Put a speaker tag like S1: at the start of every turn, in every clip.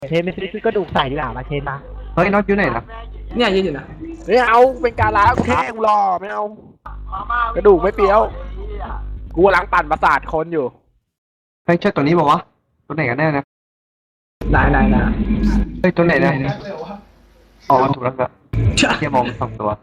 S1: เชนไปซื้อกระดูกใส่ดีกว่ามาเชนมา
S2: เฮ้ยน็อตอยู่ไหนล่ะ
S3: เนี่ยยืนอยู่นะ
S1: ไม่เอาเป็นการล้ากูแค่กูรอไม่เอากระดูกไม่เปรี้ยวกูกำลังปั่นประสาทคนอยู่
S2: เฮ้ยใช่ตัวนี้บอกวะตัวไหนกันแน่นะ
S3: ไหน
S2: เฮ้ยตัวไหนนะอ๋อถูกแล้วครับเทียมองสองตัว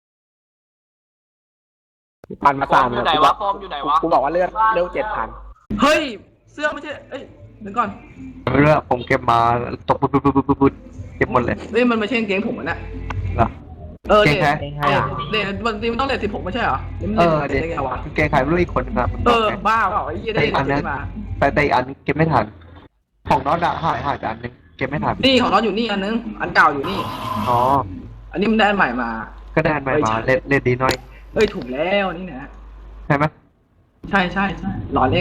S1: ปั่นประสาท
S4: อยู่ไหนวะฟอร์มอยู่ไหนวะ
S1: กูบอกว่าเลือด7,000
S3: เฮ้ยเสื้อไม่ใช่เอ้ยเดี๋ยวก่อน
S2: ไม่รู้อะผมเก็บมาตกปุ๊บเก็บหมดเลย
S3: เฮ้ยมันไม่ใช่กางเกงผมนะ
S2: เหรอ
S3: เออ
S2: เกงแท้
S1: เองให้อ่ะ
S3: เด็กบางทีมันต้องเลท16ไม่ใช่เหรอ
S2: เออ
S3: เด็
S2: เด็
S3: ก
S2: ก
S3: ได้ไงวะ
S2: เกงขายไม่รู้อีกคนนึงครับ
S3: เออบ้าเปล่าไอ้ยี่ได้เลทมา
S2: แต่อีกอันเก็บไม่ทันของน็อตอะหายไปอันนึงเก็บไม่ทัน
S3: นี่ของเราอยู่นี่อันนึงอันเก่าอยู่นี่
S2: อ๋อ
S3: อันนี้มันได้อันใหม่มา
S2: ก็ได้อันใหม่มาเล่นดีหน่อย
S3: เอ้ยถูกแล้วนี่นะ
S2: ใช่ไหม
S3: ใช่หลอนเอง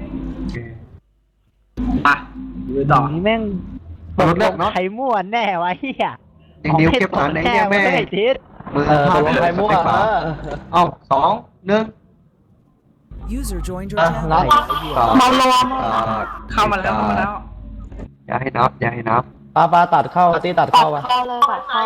S3: อ่ะดูต่อ
S1: นี่แม่ง
S2: รถเลือกเนาะ
S1: ใครมั่วแน่วะเฮีย
S2: อย่างนิ้วเก็บฐานไหนเนี่ยแม่
S1: ไม่ได้ทิศ
S2: มือพลาดเลยไม่ฝาเอ้า2 1
S5: User joined your
S1: รับ
S5: channel.
S3: เมารวมเข้ามาแล้ว
S2: อย่าให้นับ
S6: ปลาตัดเข้าตีตัดเข้าไป
S7: เข้าเลยปัดเข้า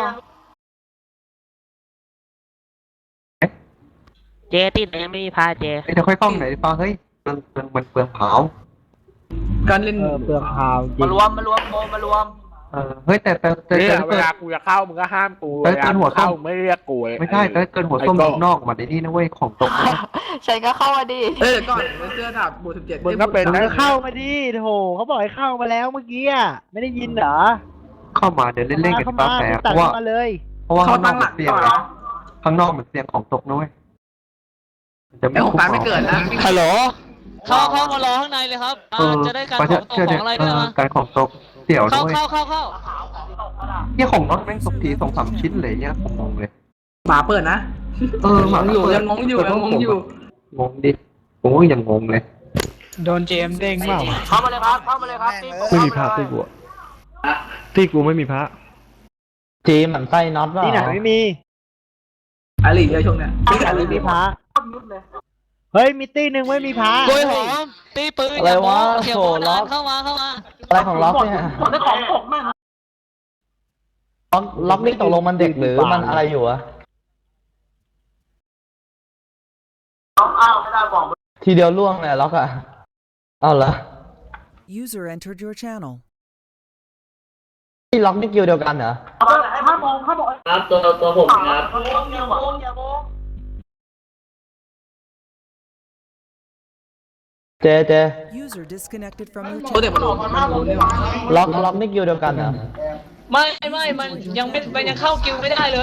S1: เจติดยังไม่มีพาเจ
S2: เดี๋ยวค่อยเข้าไหนดีฟ้าเฮ้ยมันเปลืองเผา
S3: การเล่น
S1: เปลืองพาวจริ
S4: มาง รวมโมมารวม
S2: เฮ้ยแต่
S1: เนี่ยเวลากูจะเข้ามึงก็ห้ามกู
S2: แต่เกินหัวส้
S1: เข้าม ไม่เรียกกูเลย
S2: ไม่ใช่แต่เกินหัวส้มนอกมาในนี่นะเว้ยของตกนะ
S7: ฉันก็เข้ามาดิ
S3: เอ้ยก่อนเสื้อดาบบู17
S1: มึงก็เป็นนะเข้ามาดิโถเขาบอกให้เข้ามาแล้วเมื่อกี้อ่ะไม่ได้ยินเหรอ
S2: เข้ามาเดินเล่นๆกันฟ้าแฝงเพ
S1: ตัด
S2: ราะว่า
S1: มาเลย
S2: ข้างนอกมันเสียงไงข้างนอกมันเสียงของตกนะเว้ยจะ
S3: ไอ้ของฟ้าไม่เกิดนะ
S1: ฮัลโหล
S8: เข้ามารอข้างในเลยครับจะได้การของตกของอะไรด้วยนะ
S2: การของตกเสี่ยว
S8: เข้า
S2: ด้วย
S8: เข้า
S2: เนี่ยของน็อตแม่งตกที2-3 ชิ้นเลยเนี่ยผมงงเลย
S3: หมาเปิดนะ
S2: หมา
S3: ยังงงอยู่
S2: งงดิโอ้ยยังงงเลย
S1: โดนเจมเด้งเปล่า
S4: เข้ามาเลยครับตี
S9: ไม่มีพระตีกูอะตีกูไม่มีพระ
S6: จีมมันไส้น็อตว่า
S1: ที่ไหนไม่มี
S3: อาลีเยอะช่วงเนี้ย
S1: ที่ไหนไม่มีพระเฮ้ยมีตี้หนึ่งไม่มีพระ
S8: กล้วยหอมตีปืน
S6: อะไรวะ
S8: เขียว
S6: โถล็อก
S8: เข้ามา
S6: อะไรของล็อกเนี่ยล็อกนี่ตกลงมันเด็กหรือมันอะไรอยู่อะทีเดียวล่วงเลยล็อกอะเอาเหรอ
S5: User entered your channel.
S6: ที่ล็อกนี่กิวเดียวกันเหรอ
S4: ครับตัวผมครับ
S6: เจ
S5: User disconnected from your
S3: ตัวเด็ก
S5: channel.
S3: มันรู้นี่หว่า
S6: ล็อกนี่กิวเดียวกันเหรอ
S8: ไม่มันยังเข้ากิวไม่ได้เลย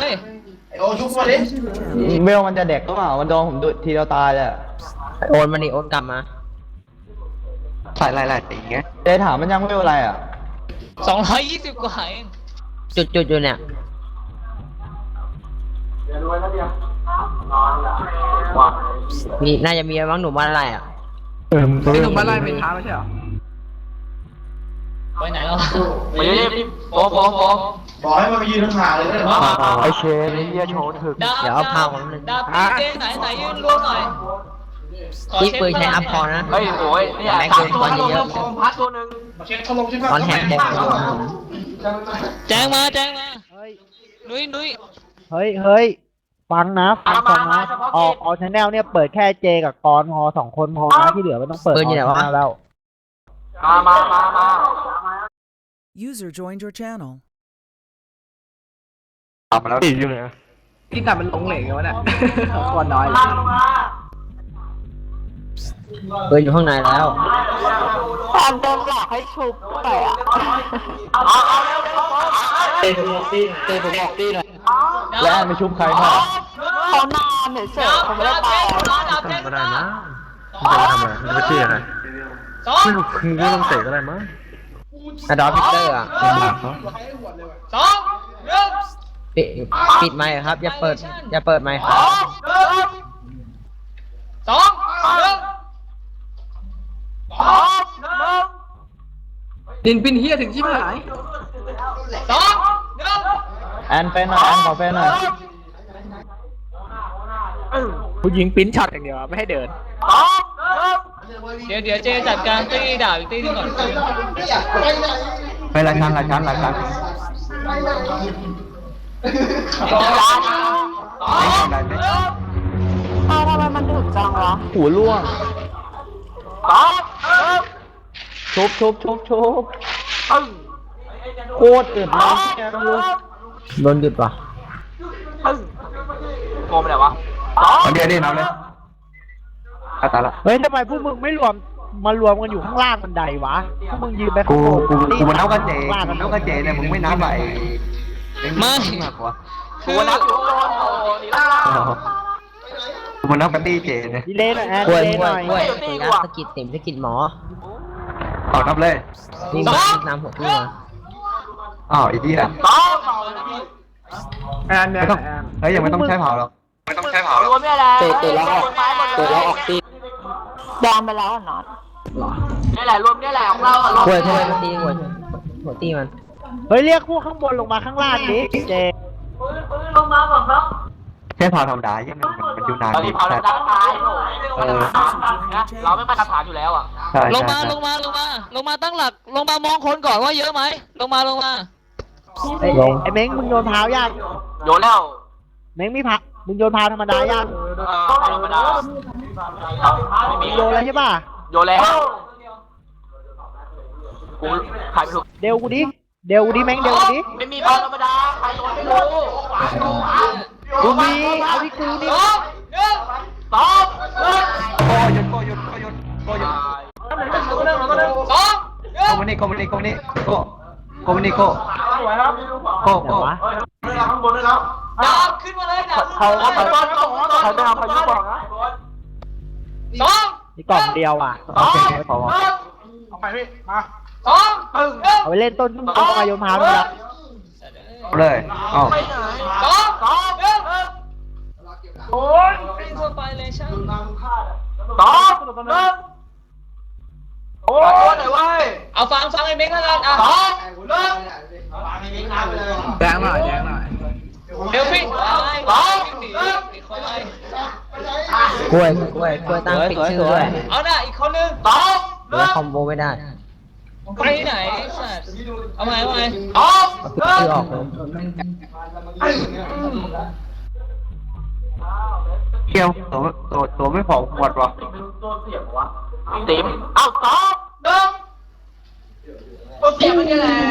S6: เวลมันจะเด็กก็เปล่ามันโดนผมดูทีเดียวตายเลยอะ
S1: โอนมานี่โอนกลับมา
S2: ใส่หลายๆสีไง
S6: เจถามมันยังเวลอะไรอะ
S8: 220 กว่าเอง
S1: จุดอยู่เนี่ย มีน่าจะมีบ้างหนุ่มว่าอะไรอ่ะ
S3: ไอ้หนุ่มบ้านไร่เป็นท้าไม่ใช่เหรอ
S8: ไปไหนแล้ว
S4: มาเรียบโฟ
S9: บอกให้มันไปยืนห่างๆเลยนะ
S2: ไอเชนไอ้เหี้ยโชว์ถึก
S8: ดาบพี่เจไหนยืนรวมหน่อย
S1: ที่ปืนใช้อัพพอนะ
S4: เฮ้ยโอ้ยเนี่ยพัดตัวหนึ่ง
S1: ตอนแฮกแดง
S8: แจ้งมา
S1: เฮ้ย
S8: นุ้ย
S1: เฮ้ยฟังนะออกชแนลเนี่ยเปิดแค่เจกับกรพอ2 คนพอนะที่เหลือไม่ต้องเปิดออกชแนลแล้ว
S4: มา
S5: User joined your channel.
S2: ตามมาแล้ว
S9: ตีอยู่ไหนอะ
S3: ที่ตัดมันลงเหลงกันวะเนี่ยก่อนน้อย
S1: เปิดอยู่ข้างในแล้ว
S7: ตามเดิมหลอกให้ชุบไปอ่ะ
S6: และไม่ชุบใครครับ
S7: เขานอนเฉยๆเขาไม่ได้ตาย
S9: ก็ได้นะไม่ได้ทำอะไรไม่ได้ตีอะไรไม่รู้คือก็ต้องเตะก็ได้มั้ง
S1: อะดอพิเตอร์อ่ะ
S9: ลำบากเขา
S1: ปิดไมค์ครับ อย่าเปิดไมค์ครับ
S3: ดินปินเฮียถึงชิบหาย
S6: แอนเฟนหน่อยแอนขอเฟนหน่อย
S1: ผู้หญิงปิ้นช็อตอย่างเดียวไม่ให้เดิน
S8: เดี๋ยวเจจัดการตีดาบอีกตีนึงก่อน
S2: ไปหลายชั้นหลายชั้นหลายชั้นได้ไหม
S7: ทำไมมันถึกจังวะ
S6: หัวล่วงชุบโคตรอึดเลยโดนหยุดว่ะ
S4: โกงไปไหนวะ
S2: เดี๋ยวเอาเลยตายละ
S1: เฮ้ยทำไมพวกมึงไม่รวมมารวมกันอยู่ข้างล่างบันไดวะพวกมึงยืนไปข้างบน
S2: กูมันเท่ากันเจ
S1: ข้างล่าง
S2: มันเท่ากันเจเนี่ยมึงไม่นับไอ้มากกว่า
S4: กูนับอยู่ข้างบนโอ้ดีละ
S2: กูมันนับกันตี้เจเนี่ย
S1: ดีเลยหน่อยแอน
S6: กล้วย
S1: ดีเลย
S6: ก
S1: ห
S6: ล้วย
S1: น่อย
S6: กล้วยสกิดติ่มสกิดหมอ
S2: เอานับเลย
S6: นี่น้ำหัวพี่มา
S2: อ้าวไอ้ที่อ่ะ
S3: แอนแอ
S2: ไม่
S3: น
S2: ต้องเฮ้ยยังไม่ต้องใช้เผาหรอกไม่ต้องใช้เผาหร
S4: ร
S2: อก
S4: วมไม่อะไร
S6: เตะแล้วออกตี
S7: แดงไปแล้วอ่ะน็อต
S4: นี่แหละรวมนี่แหละของเราอะ
S6: กล้วยทำไมมันตีหัวตีมัน
S1: เฮ้ยเรียกพวกข้างบนลงมาข้างล่างดิเจ
S2: ใช้เผาธรรมดายังมันอยู่นาน
S4: ตอนนี้เผาแล้วดังตายเราไม่มาตรฐานอยู่แล้วอ่ะ
S2: ใช่
S8: ลงมาตั้งหลักลงมามองคนก่อนว่าเยอะไหมลงมา
S1: ไอ้เม้งมึงโยนเท้ายาก
S4: โยนแล้ว
S1: เม้งไม่พักมึงโยนเท้าธรรมดายาก
S4: ธรรมดาไม่มี
S1: โยนแล้วใช่ป่ะ
S4: โยนแล้วกูขายไม่ถูก
S1: เดวกูดิเม้งเดวกูดิ
S4: ไม่มีบอลธรรมดาใครโยนไม่รู้
S1: กูมีเอาที่กูนี่
S4: สองหนึ่ง
S2: โกยน
S4: สอง
S2: โกมานี่โกมานี่โกนี่โก
S1: แต่วะ
S4: ดาวขึ้นมาเลยนะเขาจะทำพายุบอกนะสอง
S1: นี่กล่องเดียวอ่ะ
S2: โอเคพอ
S4: เอาไปพี่มาสองหนึ่ง
S1: เอาไปเล่นต้นขึ้นต้นมาโยนเท้าเลยนะ
S2: เลยอ้าว
S4: ไปไหนสองหนึ่งโอ้ย
S8: ทั่วไปเลยช่าง
S4: สองหนึ่งโอ้ยไหนวะ
S8: เอาฟังไอ้เม้งแล้วกันอ่ะ
S4: สองหนึ่ง
S3: แดงหน่อย
S8: เดี๋ยวพี่อะไร
S4: สอง
S8: หนี
S4: หนึ่ง
S8: อีกคนอะไร
S6: กล้วยตั้งปิดชื่อด้วย
S8: เอาหน้าอีกคนนึง
S4: สองห
S6: แล้
S4: นึ่
S6: ว
S4: ง
S6: คอมโบไม่ได้
S8: ไปไหนสัตว์เอาไง
S4: สอง
S6: ปิด
S4: หนึ่
S6: ชื่อง ออกเลย
S2: เกี่ยวตัวไม่พอหมดวะ
S4: ติ๋มเอาสองหนึ่งตัวเสียมันนี่แหละ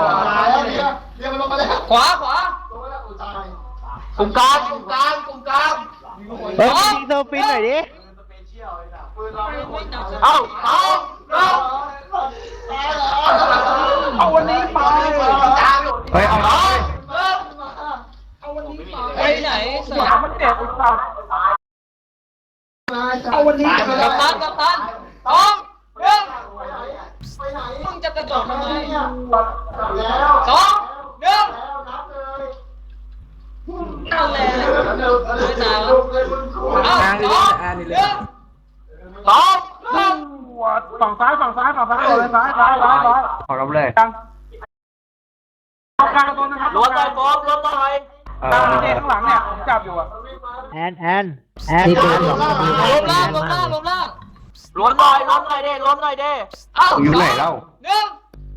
S4: ขวากลุ่มกลาง
S1: เฮ้ยยิงเซอร์ฟินหน่อยดิ
S4: เอาสองหนึ่งเอาวันนี้ไป
S2: เฮ้ยเอา
S4: สอง
S8: ไปไหนสัตว์
S4: มันเด็กไอ้สัตว์เอาวันนี้
S8: กัปตันสองหนึ่งมึงจะกระโดดทำไมสองหนึ่งนั่นแหละไม่ตายแล้วเอาสองหนึ่ง
S4: สองหนึ่งฝั่งซ้ายเลยซ้าย
S2: ขอรับเลย
S4: ล้วนเลยโฟมล้วนเลย
S2: ข้างหลังเนี่ย
S1: แอน
S6: นี่ปืนหรอก
S8: ลมล่าง
S4: ล้วนหน่อยเด้เอา
S2: อยู่ไหนเล่า
S8: หนึ่ง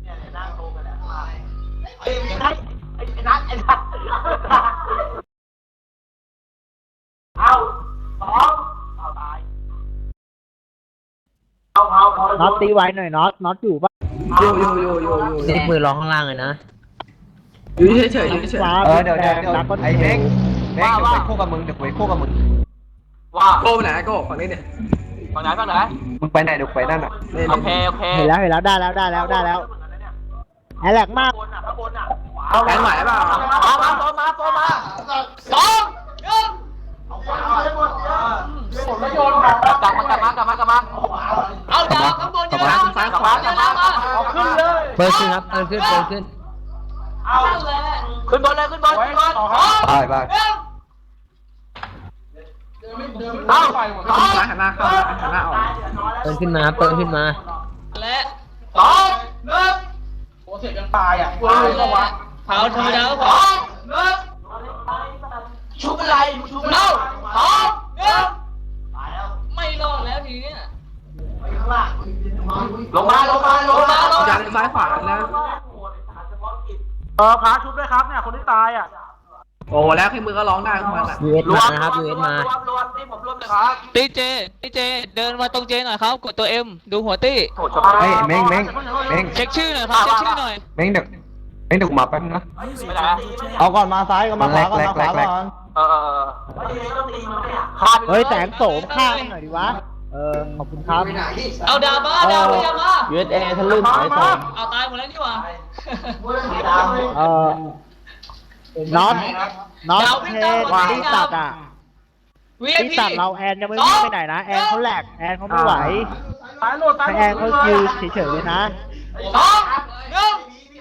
S4: ไอ้นัทเอาสองเอาตายเอา
S1: น็อตตีไว้หน่อยน็อตอยู่ปะ
S3: อยู่
S6: นี่ปืนรอข้างล่างเลยนะ
S3: อยู่เฉย
S1: ฟ้า
S2: เดี๋ยวไอ้เม้งเดี๋ยวไปคู่กับมึง
S4: ว่า
S3: โก้ไปไหนโก้ฝั่งนี้เนี่ย
S4: ฝั่งไหน
S2: มึงไปไหนเดี๋ยวไปนั่นอ่ะ
S4: โอเค
S1: เห็นแล้วได้แล้วแอลแลกมาก
S3: แดงไหวเปล่า
S4: มาสองหนึ่งกลับมา
S8: เอาดาวข้างบนเยอะ
S3: ซ้ายขวา
S4: เอาขึ้นเลย
S6: เปิดขึ้นครับเปิดขึ้น
S8: เอาเลย
S4: ขึ้นบนเลย
S2: ไป
S4: เอา
S3: ซ้ายหันหน้าเข้าหันหน้าออก
S6: เปิดขึ้นมา
S8: และ
S4: สองหนึ่ง
S8: เผาธรรมดา
S4: สองหนึ่งชุบอะไรชุบเอาสองหนึ่ง
S8: ไม่รอดแล้วทีเนี้ย
S4: ลงมา
S3: จานซ้ายขวานะ
S4: พาชุบด้วยครับเนี่ยคนที่ตายอ่ะ
S3: โอ้แล้วแค่มือก็ร้องได้ของมันอ่ะ
S6: US มานะครับ US มา
S4: รวมที่ผมรวมเลยครับ
S8: ตีเจเดินมาตรงเจหน่อยครับกดตัวเอ็มดูหัวตี้
S2: เฮ้ยเม้งเ
S8: เช็คชื่อหน่อยครับเช็คชื่อหน่อย
S2: ม้งเดี๋ยวกูมาแป๊บนึงนะ
S5: User joined your channel.
S6: เอาก่อนมาซ้ายก่อนมาขวาก่อน
S2: แร
S6: มาก ขวา
S2: แรก
S6: ก่อน
S1: เฮ้ยแสงโสมข้างหน่อยดิวะขอบคุณครับ
S8: เอาดาวมาดาวมา
S6: USA ทะลึ่งไอ้สอง
S8: เอาตายหมดแล้วนี่หว่า
S1: น็อต
S8: ดาว
S1: เท
S8: วิ่งตาม
S1: น
S8: มา
S1: ที่ตัดอ่ะ
S8: VIP
S1: ที่ตัดเราแอนยังไม่วิ่งไปไหนนะแอนเขาแหลกแอนเขาไม่ไหว
S4: ตายโหลดตาย
S1: ให้แอนเขายืนเฉยๆเลยนะ
S8: สองหนึ่ง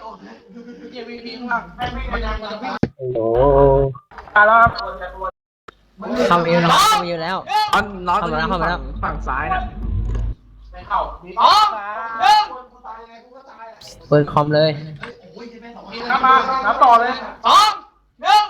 S4: ตายแล้วครับ
S6: เข้ามาอยู่นะครับเข้ามาอยู่แล้ว
S3: อันน้อยตัวนี้
S6: เข้ามาแล้ว
S3: ฝั่งซ้ายนะ
S8: สองหนึ่ง
S6: เปิดคอมเลย
S4: ครับมาครับต่อเลย
S8: สองหนึ่ง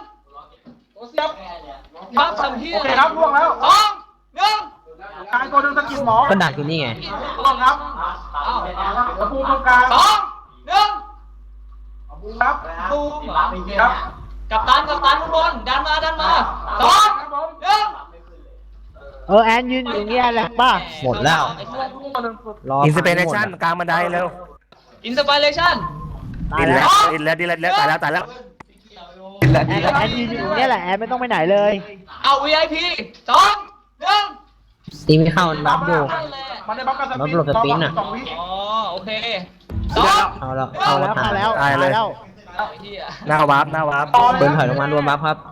S8: บัฟทำเฮีย
S4: โอเคครับล่วงแล้ว
S8: สองหนึ่ง
S4: กายตัวหนึงสกิลหมอ
S6: ก็ดักอยู่นี่ไง
S4: ล่วงครับตะปูตรงกลาง
S8: สองหนึ่ง
S4: ครับ
S8: ตูม
S4: ครับ
S8: กับตันข้างบนดันมาสองหนึ่ง
S1: แอนยืนอยู่อย่างเงี้ยแหลกป่ะ
S6: หมดแล้ว
S4: ตัวหนึง
S6: รอ
S9: อินสเปเรชั่นกลางบันไดเร็ว
S8: อินสปิเรชั่น
S1: ตายแล้ว
S9: อินแล้วตายแล้ว
S1: แอนยืนอยู่อย่างเงี้ยแหละแอนไม่ต้องไปไหนเลย
S8: เอา VIP สองหนึ่ง
S6: ตีไม่เข้ามันบัฟอยู่
S4: มันได้บัฟกับส
S6: บัฟหลบสปินอะ
S4: สองวิ
S8: อ๋อโอเคสอง
S6: เอาแล้ว
S1: เข้าแล้วเข้าแล้ว
S9: ตายเลย
S1: แล้ว
S8: เฮีย
S9: หน้าวาร์ป
S6: เบิร์นถอยลงมารวมบัฟครับ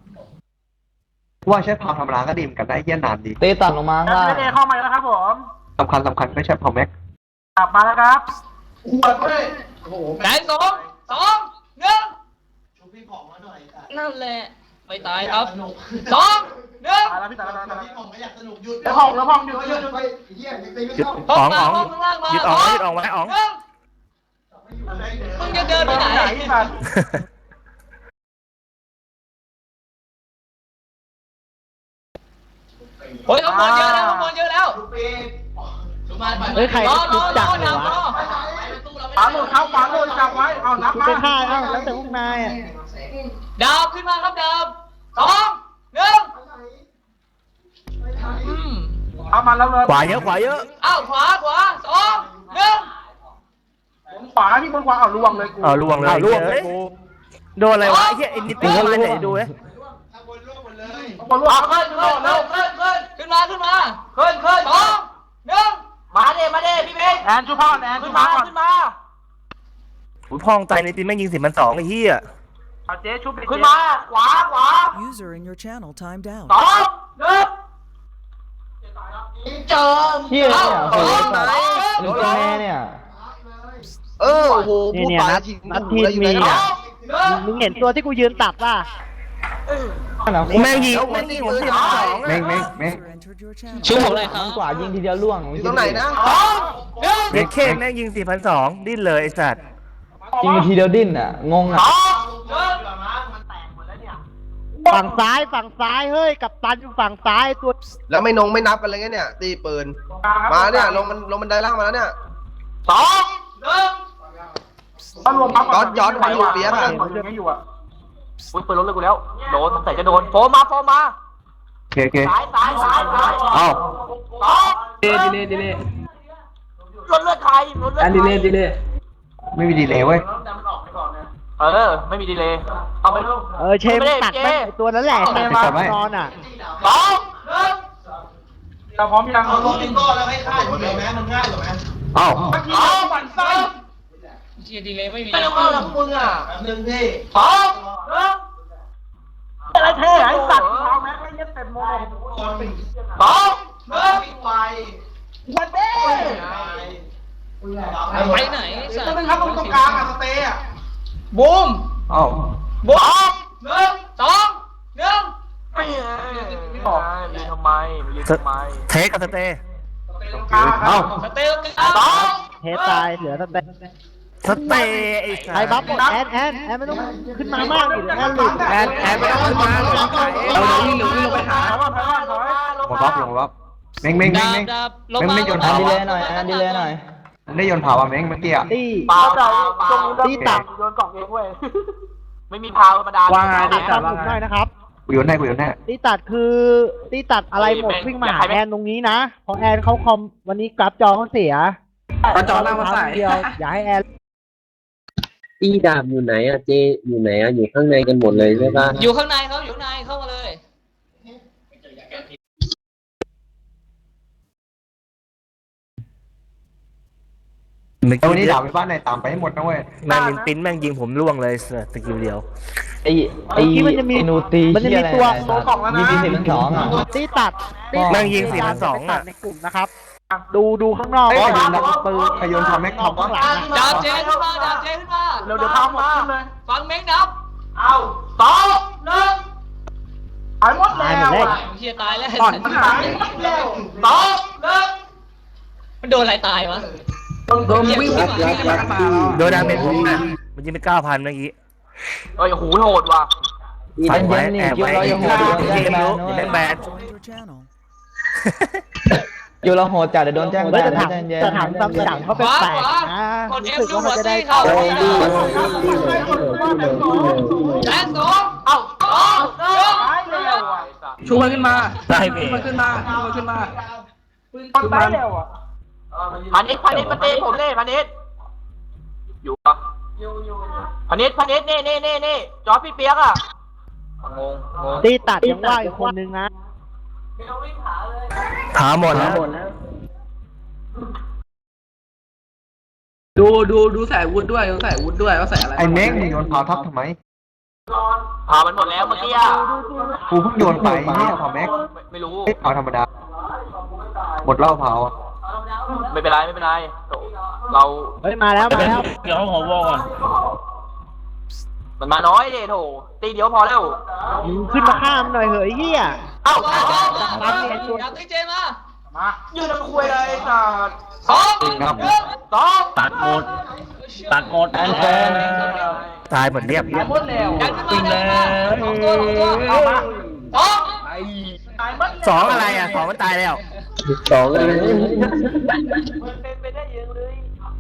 S2: ว่าใช้พาวธรรมดาก็ดีเหมือนกันได้เยี่ยนานดี
S6: ตีตัดลงมา
S4: แอ
S6: ข้างล่าง
S4: นเอเข้ามาแล้วครับผม
S2: สำคัญก็ใช้พาวแม็ก
S4: กลับมาแล้วครับ
S8: ไหนสองหนึ่งนั่นแหละไม่ตายครับสองหนึ่ง
S4: ตายแล้วพี่ตายแล้วแล้วห้องอยู่
S9: หยุดอ๋องอ๋องหยุดอ๋องไว้อ๋อง
S8: มึงจะเดินไปไหน
S4: พี่สัตว์
S8: โอ้ยข้างบนเยอะแล้ว
S1: เฮ้ยใคร
S8: รอ
S1: จับเลยวะ
S4: ขวาหลุดครับขวาหลุดจับไว้เอานับ
S1: คุณ
S4: มา
S1: ไปฆ่าเอ้าแล้วแต่พวกนายอ่ะ
S8: ดาวขึ้นมาครับดาวสองหนึ่ง
S4: เอามาแล้วเลย
S9: ขวาเยอะ
S8: อ้าวขวาสองหนึ่ง
S4: ขวาพี่บนขวาเอาล่วงเลยกู
S9: ล่วงเลยโดนอะไรวะไอ้เหี้ยไอ้นิตี้มาไหนดูเลย
S4: บนล่วง
S8: ขึ้นมาสองหนึ่งมาเด้พี่เบง
S4: แอนชูพ่อแอนขึ้นมาก่อน
S9: อุ้ยพองใจในทีมแม่งยิง10,200ไอ้เหี้ย
S4: เอาเจ๊ชุบ
S8: ขึ้นมาขวา
S5: User in your channel timed out.
S8: สองหนึ่งเจิม
S6: เหี้ยเนี่ยโอ้โหนี่เป็นแม่เนี่ย
S2: โอ้โห
S1: เนี่ยนัดทีมมีอ่ะมึงเห็นตัวที่กูยืนตัดป่ะ
S9: แม่งยิงผม10,200
S2: เม้ง
S5: User entered your channel.
S8: ชื่อผมอะไรครับ
S6: กว่ายิงทีเดียวล่วง
S2: อยู่ตรงไหนนะ
S8: สองหนึ่ง
S9: เด็กเคแม่งยิง4,200ดิ้นเลยไอ้สัตว์
S6: ยิงทีเดียวดิ้นอ่ะงงอ่ะ
S8: สองหนึ่ง
S1: ฝั่งซ้ายเฮ้ยกับตันอยู่ฝั่งซ้ายตัว
S10: แล้วไม่นับกันเลยเนี่ยตีปืนมาเนี่ยลงบันไดล่างมาแล้วเนี่ย
S8: สองหนึ่ง
S4: เอารวมปั๊บ
S10: ย้อนไปอยู่เปียกอะ
S4: ยังไม่อยู่อ่ะ
S8: อุ้ยปืนล้มเลยกูแล้วโดนใส่จะโดนโฟมา
S2: โอเค
S8: สาย
S2: เอ้า
S8: สอง
S3: ดีเลย
S8: เลือดใคร
S3: อันดีเลย
S2: ไม่มีดีเลยเว้ย
S8: ไม่มีดีเลยเอาไปลูก
S1: เชมตัดแม่งไอ้ตัวนั้นแหละตัด
S2: ตัดไว้
S1: นอนอ่ะ
S8: สองหนึ่ง
S4: เราพร้อมยัง
S10: เอาลงก็แล้วให้ฆ่าอยู่เลยไหมมันง่ายกว่าไหม
S2: เอ้า
S4: เมื่อกี้เราหมั่นไส้
S8: เชียดีเลยไม่มี
S10: ไม่ต้องเอาแล้วมึงอ่ะหนึ่งพี่
S8: สองหนึ่ง
S4: อะไรเท่ไอ้สัตว์เท้าแม็กไม่ยัดเต็มโมง
S10: คน
S8: สองหนึ่ง
S10: วิ่งไว
S4: วันเด้
S8: ไปไหน
S4: ต้องเป็นครับตรงกลางอ่ะสเตย์อ่ะ
S8: บูม
S2: เอ้า
S8: บูมหนึ่งสองหนึ่ง
S4: ไม่บอก
S9: เทคกับสเตย์
S4: ตรงกลางครั
S2: เอ้า
S4: บ
S8: สเตลกันสอง
S1: เทตายเหลือสเตน
S9: สเตย์ไอ้สัตว์
S1: ใครบัฟหมดแอนไม่ต้องขึ้นมามากดิแอนหลุด
S9: แอนไม่ต้องขึ้นมา
S3: เอาเดี๋ยววิ่งลงไปหา
S4: ถอยว่าถอยว่าถอย
S2: ลงรับเม้ง
S8: ดาบลง
S2: ไม่
S8: มา
S2: โยน
S6: อันดีเลยหน่อยอันดีเลยหน่อย
S2: อได้โยนเผาอ่ะเม้งเมื่อกี้อ่ะ
S1: ตี้
S4: เปล่าตรง
S1: ตี้ตัด
S4: โยนกล่องเองเว้ยไม่มีพาวธรรมดา
S1: ว่าไงตี้ตัดผมหน่อยนะครับ
S2: กูโยนให้
S1: ตี้ตัดคือตี้ตัดอะไรหมดวิ่งมาหาแอนตรงนี้นะเพราะแอนเขาคอมวันนี้กราฟจอเขาเสีย
S3: เอาจอหน้ามาใส่
S1: เดียวอย่าให้แอน
S11: ตีดาบอยู่ไหนอะเจอยู่ไหนอะอยู่ข้างในกันหมดเลยใช่ปะ
S8: อยู่ข้างในเขาอยู่ข้างในเข้ามาเลย
S2: แต่วันนี้ด่าไปบ้านไหนตามไปให้หมดนะเว้ย
S9: แม่งลินปิ้นแม่งยิงผมล่วงเลยสกิลเดียว
S6: ไอ้นูตี
S1: มันจะมีตัว
S6: มี4,200อ่ะ
S1: ตี้ตัด
S9: แม่งยิง4,200
S1: ตัดในกลุ่มนะครับ ดูข้างนอก
S2: เฮ้ย
S1: ว่า
S2: โยนปืนโยนทำแม็กทำ
S1: ข้างหลัง
S8: ดาบเจขึ้นมาดาบเจขึ้นมา
S4: เดี๋ยวพาวมาเลย
S8: ฟังเม้งนับ
S4: เอา2 1หายหมดแล้ว
S8: เฮียตายแล้ว
S4: หายหมดแล้ว2 1
S8: มันโดนอะไรตายวะ
S3: โดนวิ่งมา
S9: โดนดาเมจผมนะมันยิงไป 9,000 เมื่อกี้
S4: เฮ้ยโหโหดว่ะ
S9: ใส่ไว้แอบไว้ยิงรู้แบงแบน
S5: Joined your channel.
S6: อยู่เราโหดจัดเดี๋ยวโดนแจ้งแบน
S1: จะถามตำสั่งเขาเป็นแปลกนะ
S8: กด
S1: รู้
S8: F
S1: สึก
S8: ดู
S1: ว่า
S8: หั
S1: เขา
S8: ว
S1: จะได้
S8: ซี่เขา
S1: เข้า
S8: และ2เอา2
S4: หายเร็วอ่ะ
S3: ชูมันขึ้นมา
S9: ได้เม
S3: ชูมันขึ้นมาชูมันขึ้นมา
S4: มันตายเร็วอ่ะพานิชมาเตะผมเลยพานิชอยู่ปะพานิชนี่จอพี่เปียกอ่ะงง
S1: ตีตัดยังว่าอีกคนนึงนะ
S9: ถามหมดแล้ว
S3: ดูใส่วุฒิด้วยดูใส่วุฒิด้วยว่าใส่อะไร
S2: ไอ้เม้งมึงโยนเผาทับทำไม
S4: พามันหมดแล้วเมื่อกี้อ่ะ
S2: กูเพิ่งโยนไปเนี่ยเผาแม็ก
S4: ไม่รู้
S2: เผาธรรมดาหมดเหล้าเผา
S4: ไม่เป็นไรเรา
S1: เฮ้ยมาแล้ว
S9: เดี๋ยวขอวอก่อน
S4: มันมาน้อยเดโถตีเดียวพอแล้ว
S1: มึงขึ้นมาข้ามหน่อยเหอะไอ้เหี้ย
S4: เอ้า
S8: ดาบตีเจมา
S4: ยืนทำคุยเลยสัตว์
S8: 2
S2: ครับ
S4: 2
S9: ตัดหมดแอนแฟนตายหมดเรียบ
S4: หมดแล้ว
S8: ดันขึ้นมา2 ตัวเอามา2
S9: 2อะไรอ่ะ2มันตายแล้ว
S11: 2เลย
S4: เป็นไปได้ยังเลย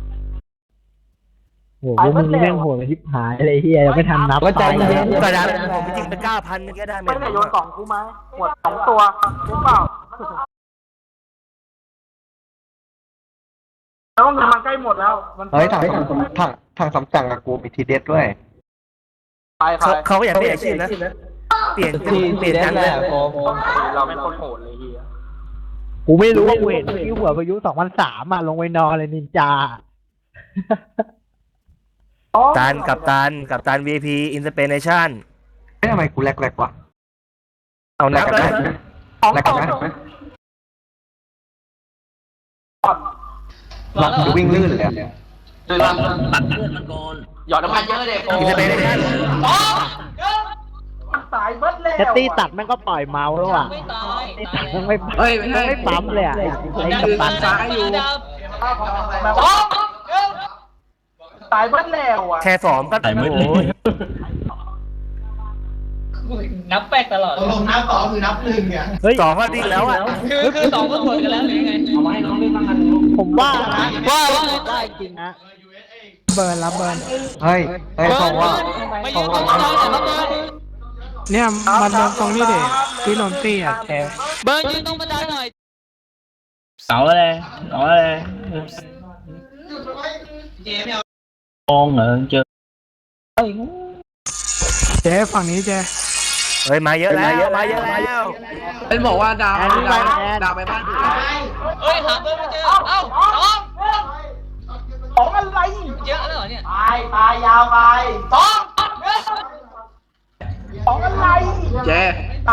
S1: โหมึงนี่แม่งโหดทิพหายเลยเหี้ยยังไม่ทันนับ
S6: ก็ใจเย็น
S9: ก็ได้ผมจริงไป 9,000 เมื่อกี้ได้เม
S4: ไม่
S9: จ
S4: ได้โยนกล่องกูไหมหมด2 ตัวหรือเปล่าแล้วมันใกล้หมดแล้ว
S2: เฮ้ยทางสำจังกับกูมีทีเด็ดด้วย
S9: เขาอยากเปลี่ยนอาชีพนะ เปลี่ยน
S6: ทีเด็
S9: กั
S6: ด
S9: น
S6: แห
S9: เล
S6: ละ
S9: ย
S6: โฟม
S4: เราไม่คนโหดเลยเฮีย
S1: กูไม่รู้ว่ากูเห็นที่หัวพายุ2003อ่ะลงไปนอนเลยนินจา
S9: กับตัน VIP Inspiration
S2: ไม่ทำไมกูแลกวะ
S9: เอานับ
S2: แล
S9: เลย
S2: แลกกันไหมกูวิ่งลื่นเลยอะ
S4: หยอดน้ำมันเยอะเลยโอ้
S9: Inspiration
S4: ตายเบิดเลย
S1: แคตตี้ตัดแม่งก็ปล่อยเมาส์แล้วอ่ะ
S8: ไม่ตาย
S1: ตีตัดแม่งไม่
S3: เฮ้ยไม่ใช่
S1: ไม่ปั๊มเลยอ่ะไอ้
S3: คือ
S1: ตัด
S3: ซ้ายอยู่
S4: ตายเบิดแล้วอ่ะ
S9: แค่2ก็โอ้ย
S8: นับแป๊กตลอด
S1: เฮ้ย
S9: 2ก็ดีแล้วอ่ะ
S8: คือ2ก็หมดกันแล้วหรือยังไง
S1: ผมว่านะว่าจริงนะเบิร์นรับเบิร์น
S2: เฮ้ยเขาว่า
S8: ไม่ยืนตรงบันไดแต่ละเบิร์น
S3: เนี่ยมันตรงนี้ดิที่นนตี้อ่ะแก
S8: เบิร์นยืนตรงบันไดหน่อย
S11: เอาเลยมองเหรอเจอ
S3: เจ๊ฝั่งนี้เจ๊
S9: เฮ้ยมาเยอะแล้ว
S3: เป็นบอกว่าดาวไปบ้าน
S8: เฮ้ยหาเบิร์นไม่เจอเอ้า
S4: ของอะไร
S8: เยอะแล้วเหรอเนี่ย
S4: ตายยาวไปของอะไร
S3: เจ๊
S4: ตาย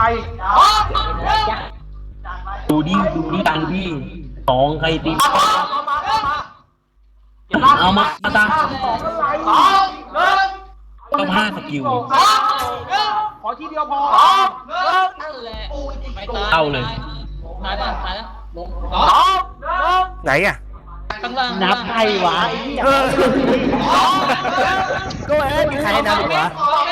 S11: ดูดิตังพี่2ใครตีเอามาตาต้อง5สกิล
S4: ขอทีเดียวพอ
S8: นั่นแหละไม่ตาย
S11: เอาเลย
S8: ตายป่ะตายแล้ว
S9: ไหนอ่ะ
S8: ข้างล่าง
S1: นับใครวะไอ้เหี้ย
S9: ก็มีใครนับวะ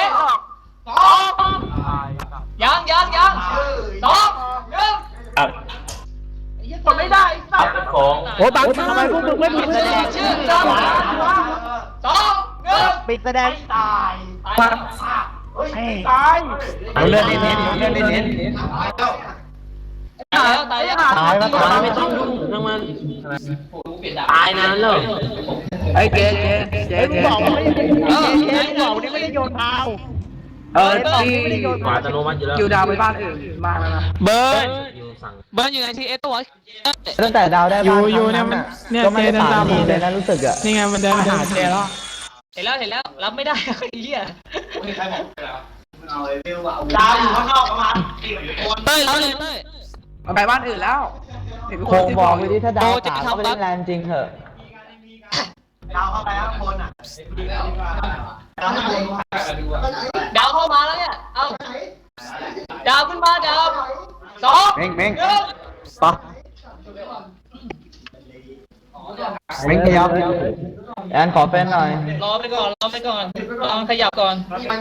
S8: ยัง 2 1
S11: อับ
S4: กดไม่ได้สัตว์
S11: ของ
S8: ต
S1: โอ้ยบังทำไมพวกมึงไม่ปิดแสดง
S8: ชื่อจำสองหนึ่ง
S1: ปิดแสดง
S8: ตาย
S1: เอาเลื่อนเน้นเลื่อนเน้น
S8: ตายแล้วตายแล้ว
S1: ตายแล้วตาย
S11: ไม่ต้องยุ่งทั้งมันตายนานแล้ว
S3: ไอ้เจ๊
S1: มึงบอกว่าไม่ได้มึงบอกว่าไม่ได้โยนพาว
S3: ที่
S11: อัตโนมัติอยู่แล้ว
S3: อยู่ดาวไปบ้านอื่นมาแล้วนะ
S8: เบิร์น
S11: อยู่สั่ง
S8: เบิร์นอยู่ในทีเอสตัว
S6: ตั้งแต่ดาวได้บ้านก็ไม่ได้ตามทีเลยนะรู้สึกอ่ะ
S3: นี่ไงมันเดินมาหาเจ๊แล้ว
S8: เห็นแล้วรับไม่ได้ไอ้เหี้ย
S4: ดาวอยู่ข้างนอกประมาณ
S8: เต้ยรับเลยเต้ย
S3: มันไปบ้านอื่นแล้ว
S6: โคงบอกไปดิถ้าดาวสามก็ไปเล่นแรงจริงเถอะ
S4: ดาวเข้าไปข้างบนอ่ะ
S8: ดาวเข้ามาแล้วเนี่ยเอาดาวขึ้นมาดาวสอง
S2: เม้ง
S8: หนึ่ง
S2: ปะเม้งขยับ
S6: แอนขอเป็นหน่อย
S8: รอไปก่อนลองขยับก่อนสองหนึ่ง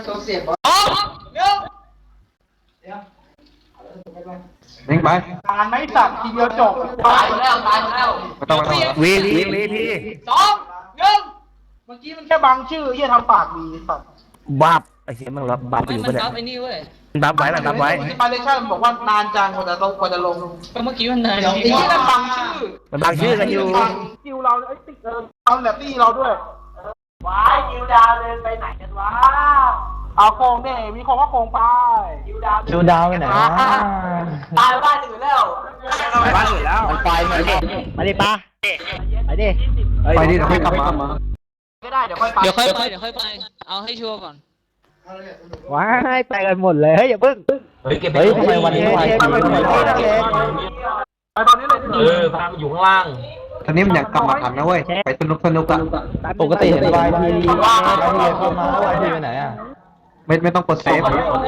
S2: เม้งไป
S4: การไม่สับทีเดียวจบตายแล้วตายแล้ว
S2: ไม่ต้อง
S9: วีที
S8: สองหนึ่ง
S4: เมื่อกี้มันแค่บังชื่อที่ทำปากดีสัตว์
S9: บับไอ้เหี้ยมันรับบับ
S8: ไม่
S9: อยู่
S8: มั
S9: ปะ
S8: น
S9: เนี่ย
S8: บัฟไอ้นี่เว้ย
S9: บับไว้บับไว้
S4: ที่ปาเลชั่นบอกว่านานจังกว่าจะลง
S8: ก็เมื่อกี้มันนาน
S4: ไอ้ที่นั่นบังชื่อ
S9: มันบังชื่อกันอยู่
S4: คิวเราไอ้ติ๊กเอาแบบตี้เราด้วยว้ายคิวดาวเดินไปไหนกันวะเอาโคงเนี่ยมีโคงก็โคงไปคิวดาว
S6: ดูดาวไปไหนวะ
S4: ตายบ้านอื่นแล้ว
S3: ไปบ้านอื่นแล้ว
S1: มันไปมาดิมาดิปะไปดิ
S2: ไปดิเดี๋ยวค่อยกลับมา
S4: ก็ได้เดี๋ยวค่อยไป
S8: เดี๋ยวค่อยไปเอาให้ชัวร์ก่อน
S1: ว้ายไปกันหมดเลยเฮ้ยอย่าเพิ่ง
S11: เฮ้ยเก็บไป
S6: เฮ้ยทำไมวันนี้ไว
S1: เจ
S6: จัง
S1: ไป
S6: เลย
S4: ไปตอนนี้เลย
S11: พาอยู่ข้างล่าง
S2: ตอนนี้มันอยากกลับมาทันนะเว้ย ไปสนุกอ่ะ
S6: ปกติเห็นวายทีเข้ามาแล้ววายทีไปไหนอ่ะ
S2: ไม่ต้องกดเซฟ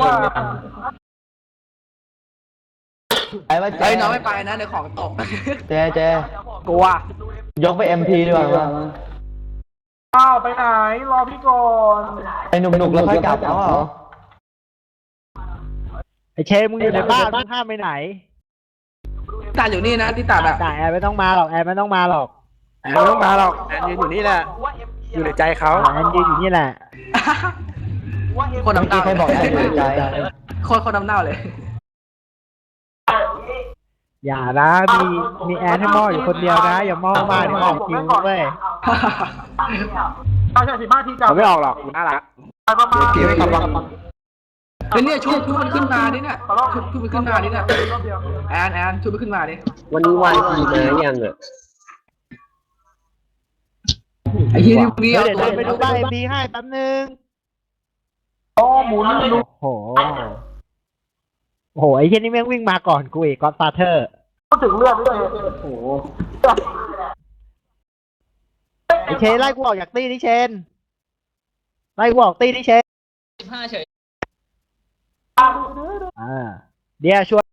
S6: ไอ้ว่าเจ๊
S3: เฮ้ยน้องไม่ไปนะเดี๋ยวของตก
S6: เจ๊
S3: กลัวย
S6: กไป MP ดีกว่า
S4: อ้าวไปไหนรอพี่ก่อน
S6: ไอ้หนุกๆแล้วค่อยกลับเอาเหรอ
S1: ไอเชมึงอยู่ในบ้านมึงห้ามไปไหน
S3: ตัดอยู่นี่นะที่ตัดอ่ะ
S1: จ่ายแอร์ไม่ต้องมาหรอกแอร์ไม่ต้องมาหรอก
S3: แอนไม่ต้องมาหรอกแอนยืนอยู่นี่แหละอยู่ในใจเขา
S1: แอนยืนอยู่นี่แหละ
S3: คน
S6: เมื่อ
S3: น้ำ
S6: กี้
S3: เน่า
S6: ใครบอกแอนอยู่ในใจ
S3: คนน้ำเน่าเลย
S1: อย่านะมีแอนให้หม้ออยู่คนเดียวนะอย่าหม้อมากเดี๋ยวออกคิวเว้ย
S4: ใช่15 ทีจับ
S1: เขาไม่ออกหรอกกูน่ารัก
S4: ไปประมาณ
S2: เดี๋ยวกลับมา
S3: เฮ้ยเนี่ยชุบมันขึ้นมาดิเนี่ยชุบมันขึ้นมาดิเนี่ยแอนชุบมันขึ้นมาดิ
S11: วันนี้วันทีมายังอ่ะ
S3: ไอ้ที่นี่เอา
S1: เดี๋ยว
S3: ตัว
S1: เดินไปดูบ้านเอ็มบีให้แป๊บนึง
S4: โอ้หมุน
S1: โอ้โหโอ้โหไอ้เช่นนี้แม่งวิ่งมาก่อนกูอีกก็อดฟาเธอร์
S4: พูดถึงเลือดด้วยโอ้โห
S1: ไอ้เชนไล่กูออกจากตี้นี่เชนไล่กูออกตี้นี่เชน
S8: 15เฉย
S1: เดี๋ยวช่วย